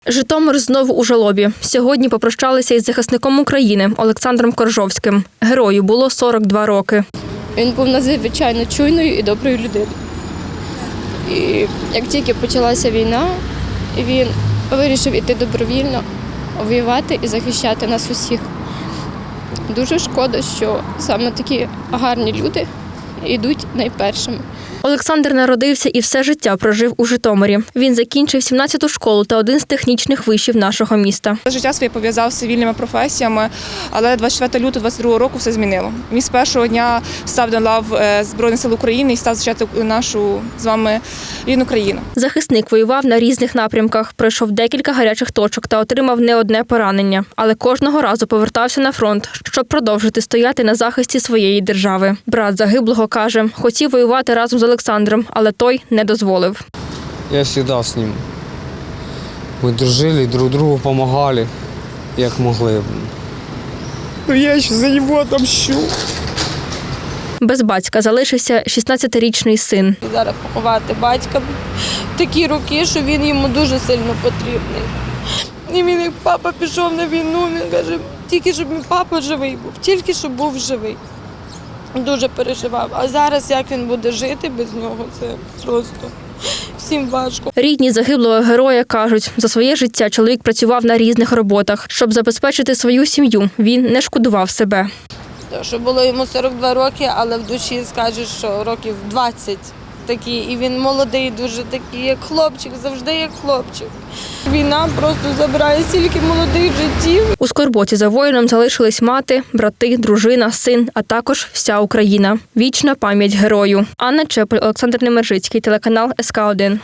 Житомир знову у жалобі. Сьогодні попрощалися із захисником України Олександром Коржовським. Герою було 42 роки. Він був надзвичайно чуйною і доброю людиною. І як тільки почалася війна, він вирішив іти добровільно, воювати і захищати нас усіх. Дуже шкода, що саме такі гарні люди йдуть найпершими. Олександр народився і все життя прожив у Житомирі. Він закінчив 17-ту школу та один з технічних вишів нашого міста. Життя своє пов'язав з цивільними професіями, але 24 лютого 22 року все змінило. Він з першого дня став до лав Збройних сил України і став захищати нашу з вами рідну країну. Захисник воював на різних напрямках, пройшов декілька гарячих точок та отримав не одне поранення. Але кожного разу повертався на фронт, щоб продовжити стояти на захисті своєї держави. Брат загиблого каже, хотів воювати разом з Олександром, але той не дозволив. Я завжди з ним. Ми дружили, друг другу допомагали, як могли. Я ще за нього отомщу. Без батька залишився 16-річний син. Зараз поховати батька в такі роки, що він йому дуже сильно потрібний. І він, як папа пішов на війну, він каже, тільки щоб мій папа живий був, тільки щоб був живий. Дуже переживав. А зараз як він буде жити без нього, це просто всім важко. Рідні загиблого героя кажуть, за своє життя чоловік працював на різних роботах. Щоб забезпечити свою сім'ю, він не шкодував себе. Що було йому 42 роки, але в душі скажеш, що років 20 такі. І він молодий, дуже такий, як хлопчик, завжди як хлопчик. Війна просто забирає стільки молодих життів. У скорботі за воїном залишились мати, брати, дружина, син, а також вся Україна. Вічна пам'ять герою. Анна Чепель, Олександр Немержицький, телеканал СК1.